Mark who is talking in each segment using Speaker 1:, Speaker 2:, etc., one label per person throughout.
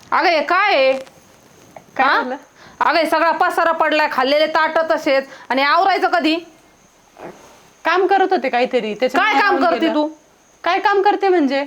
Speaker 1: अगं हे काय आहे?
Speaker 2: काय झालं?
Speaker 1: अगं हे सगळा पसारा पडलाय, खाल्लेले ताट तसेच, आणि आवरायचं कधी?
Speaker 2: काम करत होते काहीतरी.
Speaker 1: काय काम करते तू?
Speaker 2: काय काम करते म्हणजे?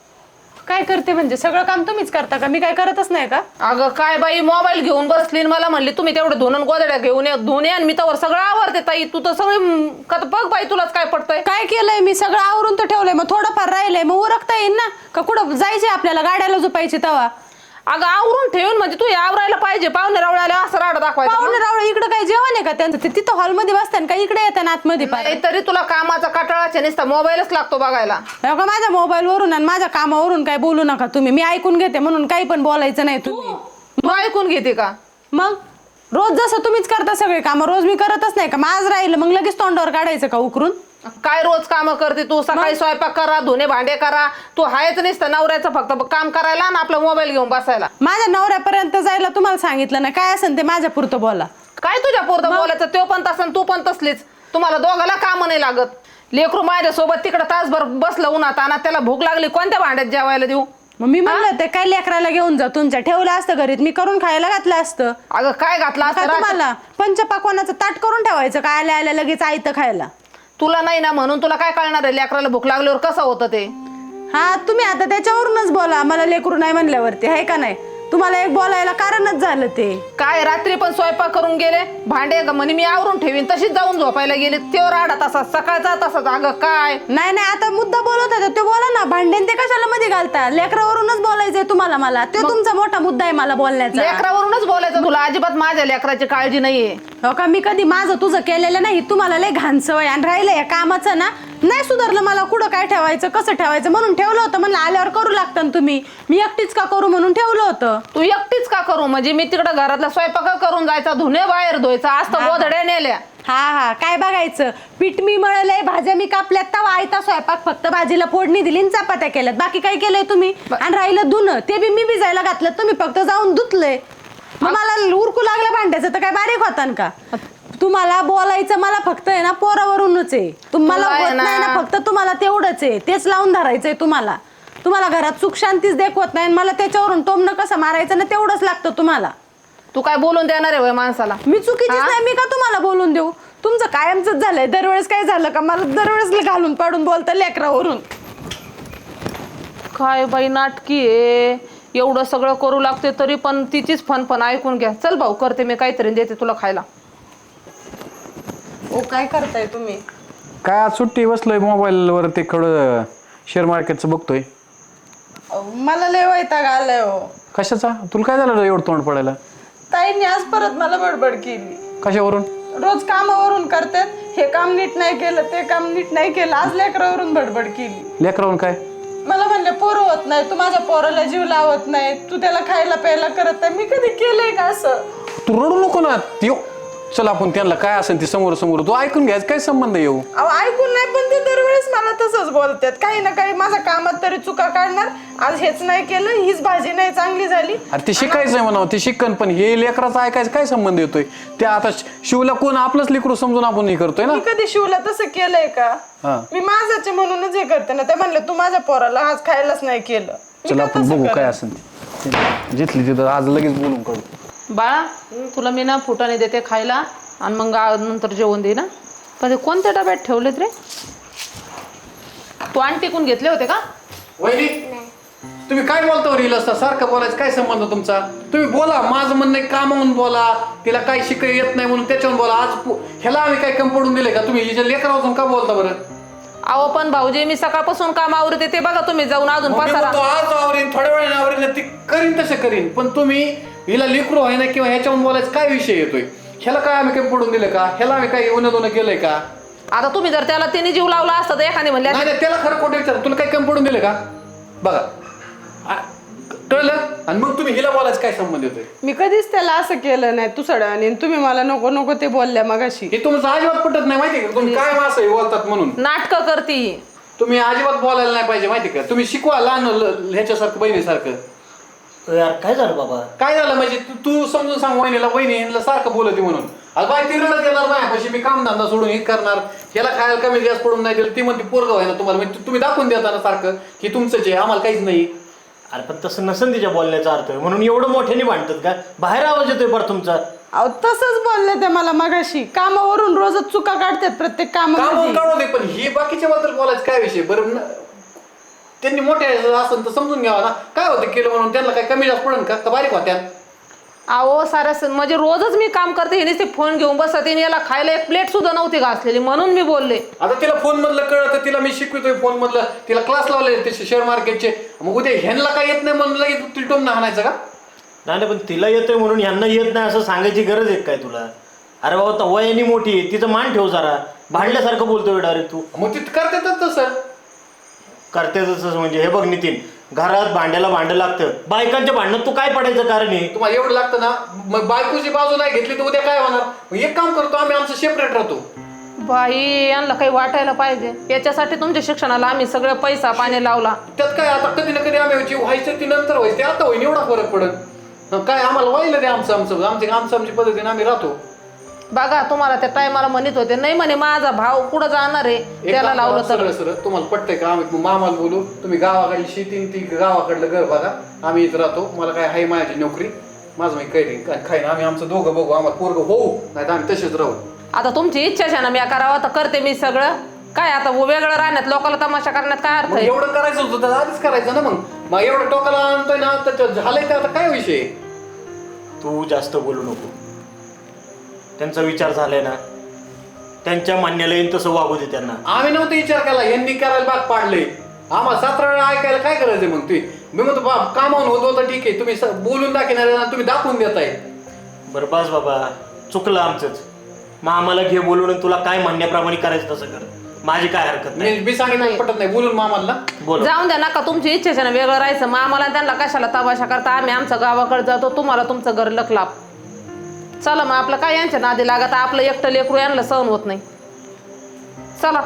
Speaker 2: काय करते म्हणजे सगळं काम तुम्हीच करता का? मी काय करतच नाही का?
Speaker 1: अगं काय बाई, मोबाईल घेऊन बसली आणि मला म्हणली तुम्ही तेवढे धुणं गोदड्या घेऊन धुणे, आणि मी तर सगळं आवरते. ताई तू तर सगळी का बघ बाई, तुलाच काय पडतंय?
Speaker 2: काय केलंय मी? सगळं आवरून तर ठेवलंय, मग थोडंफार राहिलंय, मग उरकता येईल ना? का कुठं जायचे आपल्याला गाड्याला झोपायची तवा?
Speaker 1: अगं आवरून ठेवून म्हणजे तू आवरायला पाहिजे. पाहुणे रावळे असं राड दाखवायचं.
Speaker 2: पाहुणे रावळे इकडे काय जेवण आहे का त्यांचं? ते तिथं हॉलमध्ये बसतात का इकडे येतात आतमध्ये?
Speaker 1: नाही तरी तुला कामाचा कटाळाच्या नुसता मोबाईलच लागतो बघायला.
Speaker 2: का माझ्या मोबाईलवरून आणि माझ्या कामावरून काय बोलू नका तुम्ही. मी ऐकून घेते म्हणून काही पण बोलायचं नाही तुम्ही.
Speaker 1: तू ऐकून घेते का?
Speaker 2: मग रोज जसं तुम्हीच करता सगळे काम, रोज मी करतच नाही का? मग आज राहिलं मग लगेच तोंडावर काढायचं का उकरून?
Speaker 1: काय रोज काम करते तू? सकाळी स्वयंपाक करा, धुणे भांडे करा. तू हायच नसतं नवऱ्याचं फक्त काम करायला आणि आपला मोबाईल घेऊन बसायला.
Speaker 2: माझ्या नवऱ्यापर्यंत जायला तुम्हाला सांगितलं ना, काय असेल ते माझ्या पुरतं बोला.
Speaker 1: काय तुझ्या पोरतं बोलायचं? तो पण तसं तू पण तसलीच. तुम्हाला दोघाला काम नाही लागत. लेकरू माझ्यासोबत तिकडे तासभर बसलं उन्हात, आणि त्याला भूक लागली, कोणत्या भांड्यात जेवायला देऊ?
Speaker 2: मग मी म्हणलं ते काय लेकराला घेऊन जा तुमच्या, ठेवलं असतं घरीत, मी करून खायला घातलं असतं.
Speaker 1: अगं काय घातलं असतं
Speaker 2: तुम्हाला? पंचपाकवानाचं ताट करून ठेवायचं काय आल्या आल्या लगेच आयतं खायला?
Speaker 1: तुला नाही ना म्हणून तुला काय कळणार आहे लेकराला भूक लागल्यावर कसं होतं ते?
Speaker 2: हा तुम्ही आता त्याच्यावरूनच बोला. मला लेकरू नाही म्हणल्यावरती आहे का नाही? तुम्हाला एक बोलायला कारणच झालं ते.
Speaker 1: काय रात्री पण स्वयंपाक करून गेले, भांडे म्हणे मी आवरून ठेवीन, तशीच जाऊन झोपायला गेले. तेव्हा राडा तसाच, सकाळचा तसाच. अगं काय
Speaker 2: नाही आता मुद्दा बोलत होता ते बोला ना. भांडेन ते कशाला मध्ये घालता? लेकरावरूनच बोलायचंय तुम्हाला. मला तो तुमचा मोठा मुद्दा आहे मला बोलण्याचा.
Speaker 1: लेकरावरूनच बोलायचं. तुला अजिबात माझ्या लेकराची काळजी नाहीये.
Speaker 2: हो का? मी कधी माझं तुझं केलेलं नाही. तुम्हाला लय घाण सवय. आणि राहिलं या कामाचं ना, नाही सुधारलं मला. कुठं काय ठेवायचं, कसं ठेवायचं म्हणून ठेवलं होतं. म्हणलं आल्यावर करू लागतं ना तुम्ही. मी एकटीच का करू म्हणून ठेवलं होतं.
Speaker 1: तू एकटीच का करू म्हणजे? मी तिकडं घरातला स्वयंपाक करून जायचा, धुणे बाहेर धुवायचा, असतं गोधड्या नेल्या.
Speaker 2: हा काय बघायचं? पीठ मी मळलंय, भाज्या मी कापल्यात, तवा आयता स्वयंपाक, फक्त भाजीला फोडणी दिली आणि चपात्या केल्यात. बाकी काय केलंय तुम्ही? आणि राहिलं धुणं, ते बी मी भिजायला घातलं, तुम्ही फक्त जाऊन धुतलंय. मग मला उरकू लागलं भांड्याचं तर काय बारीक होता का? तुम्हाला बोलायचं मला फक्त आहे ना पोरावरूनच आहे. तुम्हाला होत नाही ना, फक्त तुम्हाला तेवढंच आहे. तेच लावून धरायचंय तुम्हाला. तुम्हाला घरात सुख शांतीच देखवत नाही. मला त्याच्यावरून टोमणं कसं मारायचं ना तेवढंच लागतं तुम्हाला.
Speaker 1: तू काय बोलून देणार आहे माणसाला?
Speaker 2: मी चुकीचीच नाही. मी का तुम्हाला बोलून देऊ? तुमचं कायमच झालंय. दरवेळेस काय झालं का मला दरवेळेस घालून पाडून बोलता लेकरावरून.
Speaker 1: काय बाई नाटकी आहे. एवढं सगळं करू लागते तरी पण तिचीच फन ऐकून घ्या. चल भाऊ, करते मी काहीतरी, देते तुला खायला.
Speaker 2: ओ काय करताय तुम्ही?
Speaker 3: काय आज सुट्टी बसलोय मोबाईलवर, ते थोडं शेअर मार्केटचं बघतोय.
Speaker 2: मला लय वैताग आलाय हो.
Speaker 3: कशाचा? तुला काय झालं एवढं तोंड पडायला?
Speaker 2: ताईंनी आज परत मला बडबड केली.
Speaker 3: कशावरून?
Speaker 2: रोज कामावरून करतात. हे काम नीट नाही केलं, ते काम नीट नाही केलं. आज लेकरावरून बडबड केली.
Speaker 3: लेकरावरून काय?
Speaker 2: मला म्हणले पोरं होत नाही, तू माझ्या पोराला जीव लावत नाही, तू त्याला खायला प्यायला करत नाही. मी कधी केलंय का असं?
Speaker 3: तू रडू नको ना. येऊ चल आपण त्यांना काय असेल ते समोर समोर तू ऐकून घ्यायचं. काय संबंध येऊ?
Speaker 2: अहो ऐकून नाही, पण ते दरवेळेस मला तसंच बोलतात. काही ना काही माझ्या कामात तरी चुका काढणार. आज हेच नाही केलं, हीच भाजी नाही चांगली झाली.
Speaker 3: अरे ते शिकायचंय म्हणावं, ते शिकन. पण हे लेकराचं ऐकायचं काय संबंध येतोय? ते आता शिवला कोण आपलंच लेकरू समजून आपण हे करतोय ना.
Speaker 2: मी कधी शिवला तसं केलंय का? मी माझ्याचे म्हणूनच हे करते ना. ते म्हणले तू माझ्या पोराला आज खायलाच नाही केलं.
Speaker 3: चल आपण बघू काय असेल ते. जिथली तिथं आज लगेच बोलून करू.
Speaker 1: बाळा, तुला मी ना फुटाने देते खायला, आणि मग नंतर जेवण दे ना. पण ते कोणत्या डब्यात ठेवलेत रे? तू आणि टिकून घेतले होते का?
Speaker 3: वहिनी तुम्ही काय बोलता रील असता? सारखं बोलायचं काय संबंध तुमचा? तुम्ही बोला. माझं म्हणणं काम म्हणून बोला. तिला काय शिकाय येत नाही म्हणून त्याच्यावर बोला. आज ह्याला आम्ही काय कम पडून दिले का? तुम्ही हिच्या लेकरापासून का बोलता बरं?
Speaker 1: अहो पण भाऊजी, मी सकाळपासून काम आवरते, ते बघा तुम्ही जाऊन अजून पसारा.
Speaker 3: आज आवरीन, थोड्या वेळाने आवरीन, ती करीन तसे करीन. पण तुम्ही हिला लेकरू आहे ना किंवा ह्याच्यावर बोलायचं काय विषय येतोय? ह्याला काय आम्ही कमी पडून दिलं का? ह्याला आम्ही काय येऊन दोन केलंय का?
Speaker 1: आता तुम्ही जर त्याला तिने जीव लावला असता तर एखादी म्हणले
Speaker 3: नाही, त्याला खरं खोटं विचार. तुला काय कमी पडून दिलं का? बघा कळलं. आणि मग तुम्ही हिला बोलायचं काय संबंध येतोय?
Speaker 2: मी कधीच त्याला असं केलं नाही. तू सड आणि तुम्ही मला नको नको ते बोलल्या मगाशी.
Speaker 3: हे तुमचं अजिबात पटत नाही माहिती का? तुम्ही काय असं बोलतात म्हणून
Speaker 1: नाटकं करती.
Speaker 3: तुम्ही अजिबात बोलायला नाही पाहिजे माहिती का? तुम्ही शिकवा लहान ह्याच्यासारखं बहिणीसारखं.
Speaker 4: यार काय झालं बाबा?
Speaker 3: काय झालं म्हणजे? तू समजून सांग वहिनीला. वहिनी सारखं बोलती म्हणून. आज बाय ती रडत येणार नाही पशी मी काम धंदा सोडून हे करणार. ह्याला खायला कमी जास्त पडून नाही दिलं. ती म्हणते पोरगं आहे ना तुम्हाला. म्हणजे तुम्ही दाखवून देता ना सारखं की तुमचंच आहे, आम्हाला काहीच नाही.
Speaker 4: अरे पण तसं नसेल तिच्या बोलण्याचा अर्थ म्हणून एवढं मोठ्याने भांडतात का? बाहेर आवाज येतोय बरं तुमचा.
Speaker 2: अहो तसंच बोलले ते मला मगाशी. कामावरून रोजच चुका काढतात प्रत्येक
Speaker 3: काम
Speaker 2: कामामध्ये.
Speaker 3: काढू दे, पण ही बाकीच्या बद्दल बोलायचं काय विषय बरं त्यांनी मोठे असेल तर समजून घ्यावा ना, काय होतं केलं म्हणून त्यांना काय कमी जास्त पडेल का बारीक होत्या?
Speaker 1: अहो सारं म्हणजे रोजच मी काम करते, हिने ते फोन घेऊन बसते, याला खायला एक प्लेट सुद्धा नव्हती घासलेली म्हणून मी बोलले.
Speaker 3: आता तिला फोन मधलं कळलं तर तिला मी शिकवतोय फोन मधलं, तिला क्लास लावले ते शेअर मार्केटचे, मग उद्या ह्यांना काय येत नाही म्हणून लगेच तिला टोमणं हाणायचं का?
Speaker 4: नाही पण तिला येतोय म्हणून यांना येत नाही असं सांगायची गरज आहे काय तुला? अरे बाबा वयाने मोठी आहे, तिचं मान ठेव जरा. भांडल्यासारखं बोलतोय डायरेक्ट तू.
Speaker 3: मग ती करतातच तसं.
Speaker 4: करते तसं म्हणजे हे बघ नितीन, घरात भांड्याला भांडं लागतं. बायकांच्या भांडणात तू काय पडायचं कारण आहे?
Speaker 3: तुम्हाला एवढं लागतं ना, मग बायकोची बाजू नाही घेतली तर उद्या काय होणार? मग एक काम करतो आम्ही, आमचं सेपरेट राहतो.
Speaker 1: बाई यांना काही वाटायला पाहिजे. याच्यासाठी तुमच्या शिक्षणाला आम्ही सगळं पैसा पाणी लावला.
Speaker 3: त्यात काय आता कधी ना कधी आम्ही जी व्हायचं ती नंतर व्हायचं, ते आता होईन एवढा फरक पडत काय? आम्हाला व्हायला दे आमची पद्धतीने आम्ही राहतो.
Speaker 1: बघा तुम्हाला त्या टायमाला म्हणत होते नाही म्हणे माझा भाव कुठं जाणार आहे, त्याला लावलं तर.
Speaker 3: सरळ सरळ तुम्हाला पटतंय का? आम्ही मामाला बोलू, तुम्ही गावाकडली शेती ती गावाकडलं घर बघा, आम्ही इथं राहतो. मला काय आहे माझी नोकरी, माझं मी काही खाईन. आम्ही आमचं दोघं बघू, आम्हाला पोरगं होऊ नाही तर आम्ही तसेच राहू.
Speaker 1: आता तुमची इच्छाच आहे ना मी करावं तर करते मी सगळं. काय आता वेगळं राहण्यात लोकांना तमाशा करण्यात काय अर्थ
Speaker 3: मग
Speaker 1: आहे?
Speaker 3: एवढं करायचं होतं तर आधीच करायचं ना. मग एवढं टोकाला आणतोय ना तर झालंय, तर आता काय विषय?
Speaker 4: तू जास्त बोलू नको. त्यांचा विचार झालाय ना, त्यांच्या मान्याला येईल तसं वागू दे त्यांना.
Speaker 3: आम्ही नव्हतं विचार केला, यांनी करायला भाग पाडले आम्हाला. 7 वेळा ऐकायला काय करायचं मग? तुम्ही मी म्हणतो बाप कामावून होत होतं ठीक आहे, तुम्ही बोलून दाखवणार तुम्ही दाखवून देताय.
Speaker 4: बरं बस बाबा, चुकलं आमचंच. मग आम्हाला घे बोलून आणि तुला काय म्हणण्याप्रमाणे करायचं तसं कर. माझी काय हरकत नाही.
Speaker 3: मी सांगितलं पटत नाही बोलून मामाला
Speaker 4: बोल.
Speaker 1: जाऊन द्या नका, तुमची इच्छाच आहे ना वेगळं राहायचं. मग आम्हाला त्यांना कशाला तमाशा करता? आम्ही आमचं गावाकडे जातो, तुम्हाला तुमचं घर लखलाप. चला मग आपलं काय यांच्या नादी लागत, आपलं एकटं लेकरू यांना सहन होत नाही. चला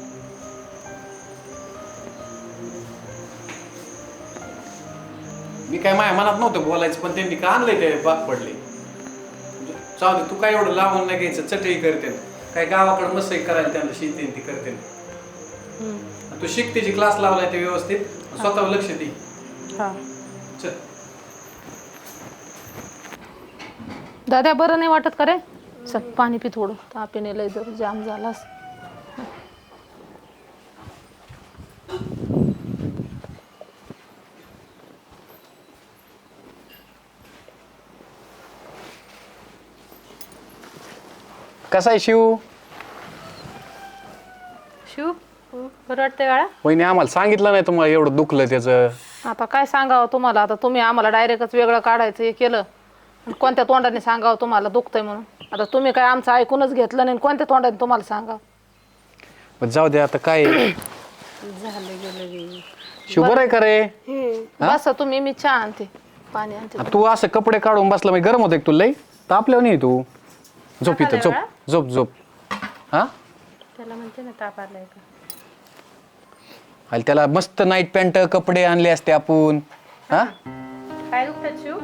Speaker 3: मी काय माझ्या मनात नव्हतं बोलायचं, पण त्यांनी का आणलंय ते भाग पडले. चालू तू काय एवढं लावून नाही घ्यायचं, चटई करते काय गावाकडे मस्त करायला त्यांना शेती ती करते. तू शिक, तिची क्लास लावलाय ते व्यवस्थित, स्वतःवर लक्ष दे. चल
Speaker 1: दादा बरं नाही वाटत का रे? चल पाणी पी थोडं, तापीने लय जर जाम झालास.
Speaker 3: कसा आहे शिव?
Speaker 1: शिव बरं वाटतंय बाळा?
Speaker 3: वहिनी आम्हाला सांगितलं नाही तुम्हाला एवढं दुखलं त्याचं.
Speaker 1: आता काय सांगावं तुम्हाला? आता तुम्ही आम्हाला डायरेक्टच वेगळं काढायचं हे केलं. कोणत्या तोंडाने सांगावं तुम्हाला दुखतंय म्हणून? आता तुम्ही काय आमचं ऐकूनच घेतलं नाही, कोणत्या तोंडाने तुम्हाला सांगावं?
Speaker 3: जाऊ दे आता काय. शिव बरं आहे का रे?
Speaker 1: बस तुम्ही, मी चहा आणते, पाणी आणते.
Speaker 3: तू असं कपडे काढून बसला मग गरम होतं तुला लई तापल्यावर नाही तू. झोप इथं, झोप झोप झोप. हा
Speaker 2: त्याला म्हणते ना ताप आलाय का?
Speaker 3: आणि त्याला मस्त नाईट पॅन्ट कपडे आणले असते आपण. हा
Speaker 2: काय दुखतात शिव?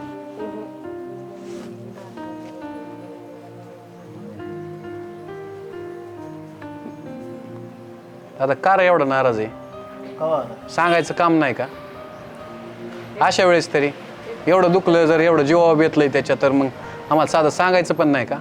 Speaker 3: आता का रे एवढा नाराज आहे? सांगायचं काम नाही का अशा वेळेस तरी? एवढं दुखलं जर, एवढं जीवावर बेतलंय त्याच्या, तर मग आम्हाला साधं सांगायचं पण नाही का?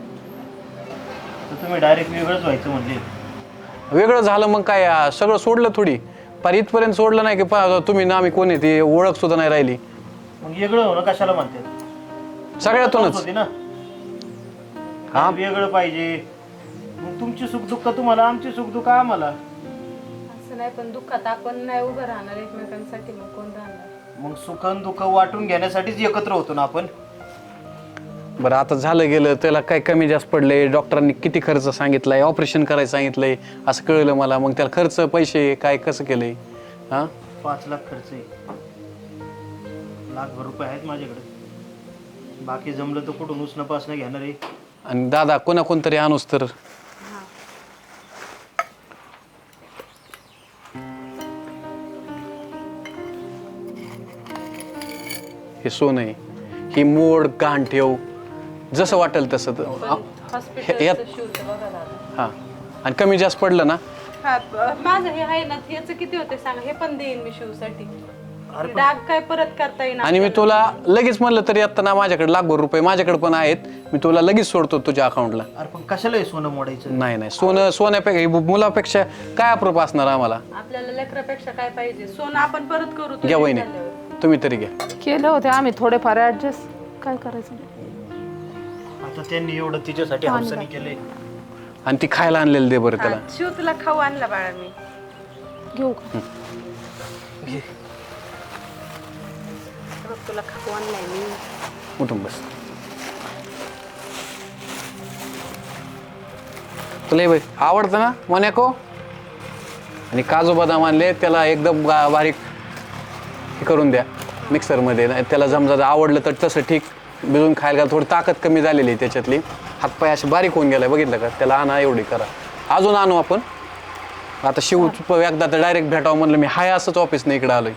Speaker 4: तुम्ही डायरेक्ट वेगळंच व्हायचं म्हणले.
Speaker 3: वेगळं झालं मग काय सगळं सोडलं थोडी? पर इथपर्यंत सोडलं नाही की तुम्ही ना आम्ही कोण आहे ती ओळख सुद्धा नाही राहिली.
Speaker 4: मग वेगळं होणं कशाला म्हणते?
Speaker 3: सगळ्यातूनच
Speaker 4: होती ना. हा वेगळं पाहिजे. मग तुमची सुख दुःख तुम्हाला, आमची सुख दुःख आम्हाला.
Speaker 2: असं नाही, पण दुःखात आपण नाही उभं राहणार एकमेकांसाठी, मग कोण राहणार?
Speaker 4: मग सुख आणि दुःख वाटून घेण्यासाठीच एकत्र होतो ना आपण.
Speaker 3: बरं आता झालं गेलं, त्याला काय कमी जास्त पडले, डॉक्टरांनी किती खर्च सांगितलाय, ऑपरेशन करायला सांगितलंय असं कळलं मला. मग त्याला खर्च पैसे काय कसं केलंय? हा
Speaker 4: 5 लाख खर्च आहे. लाखभर रुपये आहेत माझ्याकडे. बाकी जमलं तर कुठून उसणं पासणं घेणार आहे.
Speaker 3: आणि दादा कोणतरी आणूस तर. हे सोनं आहे, ही मोड गाण ठेव, जसं वाटेल तसं. हा आणि कमी जास्त पडलं ना,
Speaker 2: माझं हे आहे ना, ह्याचं किती होते सांगा, हे पण देईन मी शिवसाठी. डाग काय परत करता येईल
Speaker 3: आणि मी तुला लगेच म्हणलं तरी आता ना माझ्याकडे लाखभर रुपये माझ्याकडे पण आहेत, मी तुला लगेच सोडतो तुझ्या अकाउंटला.
Speaker 4: अरे पण कशाला हे सोनं मोडायचं?
Speaker 3: नाही नाही, सोन्यापेक्षा मुलापेक्षा काय अप्रूप असणार आम्हाला.
Speaker 2: आपल्याला लेकरापेक्षा काय पाहिजे? सोनं आपण परत करू. तो
Speaker 3: घ्या वहिनी, तुम्ही तरी घ्या.
Speaker 1: केले होते आम्ही थोडेफार ऍडजस्ट, काय करायचं.
Speaker 4: आता त्यांनी एवढं तिच्यासाठी हौसाने केलंय.
Speaker 3: आणि ती खायला आणलेलं दे बरं त्याला.
Speaker 2: शिव तुला खाऊ आणला बाळा मी.
Speaker 1: घेऊ का?
Speaker 2: बघ, तुला खाऊ आणलाय मी.
Speaker 3: उठून बस. तुला हे आवडतं ना मोनॅको? आणि काजू बदाम आणले, त्याला एकदम बारीक हे करून द्या मिक्सरमध्ये. त्याला जमजा आवडलं तर तसं ठीक, भिजून खायला थोडी ताकद कमी झालेली आहे त्याच्यातली, हातपाय असे बारीक होऊन गेलाय बघितलं का. त्याला आणा, एवढी करा. अजून आणू आपण. आता शिव एकदा तर डायरेक्ट भेटावं म्हणलं मी, हाय असंच ऑफिसने इकडे आलोय.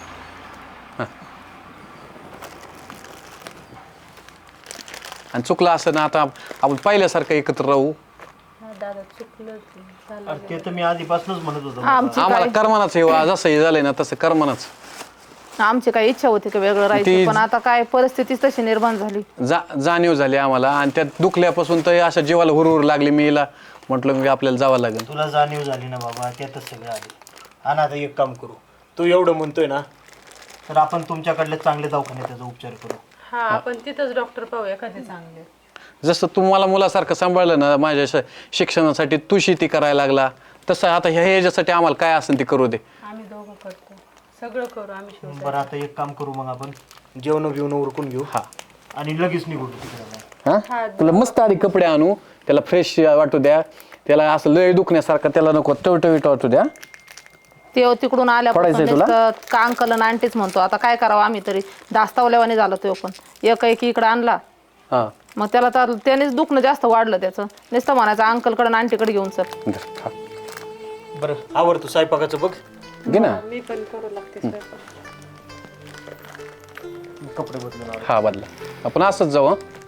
Speaker 3: आणि चुकलं असं ना, आता आपण पहिल्यासारखं एकत्र राहू.
Speaker 2: दादा चुकलं
Speaker 4: अरे ते तर मी आधीपासूनच म्हणत होतो.
Speaker 1: आमची
Speaker 3: आम्हाला कर्मनाच हे जसं हे झालंय ना तसं कर्मनाच.
Speaker 1: आमची काय इच्छा होती की वेगळं राहायचं, पण आता काय परिस्थितीच तशी निर्माण झाली.
Speaker 3: जाणीव झाली आम्हाला. आणि त्यात दुखल्यापासून तर अशा जीवाला हुरहुर लागली. मी हिला म्हटलं की आपल्याला जावं लागेल.
Speaker 4: तुला जाणीव झाली ना बाबा, त्यातच सगळं आले. आणि आता एक काम करू, तू एवढं म्हणतोय ना, तर आपण तुमच्याकडले चांगले दवाखान्यात त्याचा उपचार करू.
Speaker 2: हा, आपण तिथंच डॉक्टर पाहू एखादे चांगले.
Speaker 3: जसं तू मला मुलासारखं सांभाळलं ना माझ्या शिक्षणासाठी, तू शेती करायला लागला, तसं आता ह्याच्यासाठी आम्हाला काय असेल ते करू दे.
Speaker 2: आम्ही दोघं करतो, सगळं करू आम्ही. शिव
Speaker 4: बरं आता एक काम करू मग, आपण जेवण बिवणं उरकून घेऊ.
Speaker 3: हा.
Speaker 4: आणि लगेच निघू तिकडे.
Speaker 3: हा, तुला मस्त आधी कपडे आणू, त्याला फ्रेश वाटू द्या, त्याला असं लय दुखण्यासारखं त्याला नको टवटवीट वाटू द्या.
Speaker 1: ते तिकडून
Speaker 3: पडायचंय तुला?
Speaker 1: आल्यापासून का अंकल आणि आंटीच म्हणतो. आता काय करावं आम्ही तरी, दास्तावल्यावाने झालं तो पण. एक इकडं आणला,
Speaker 3: हा
Speaker 1: मग त्याला तर त्यानेच दुखणं जास्त वाढलं त्याचं. नुसतं म्हणायचं अंकलकडे आणि आंटीकडे घेऊन चल.
Speaker 3: खा.
Speaker 4: बरं आवर तू स्वयंपाकाचं बघ.
Speaker 3: घे ना.
Speaker 2: मी पण करू लागते स्वयंपाक.
Speaker 4: कपडे बदलून आवर.
Speaker 3: हा बदला, आपण असंच जाऊ. हं?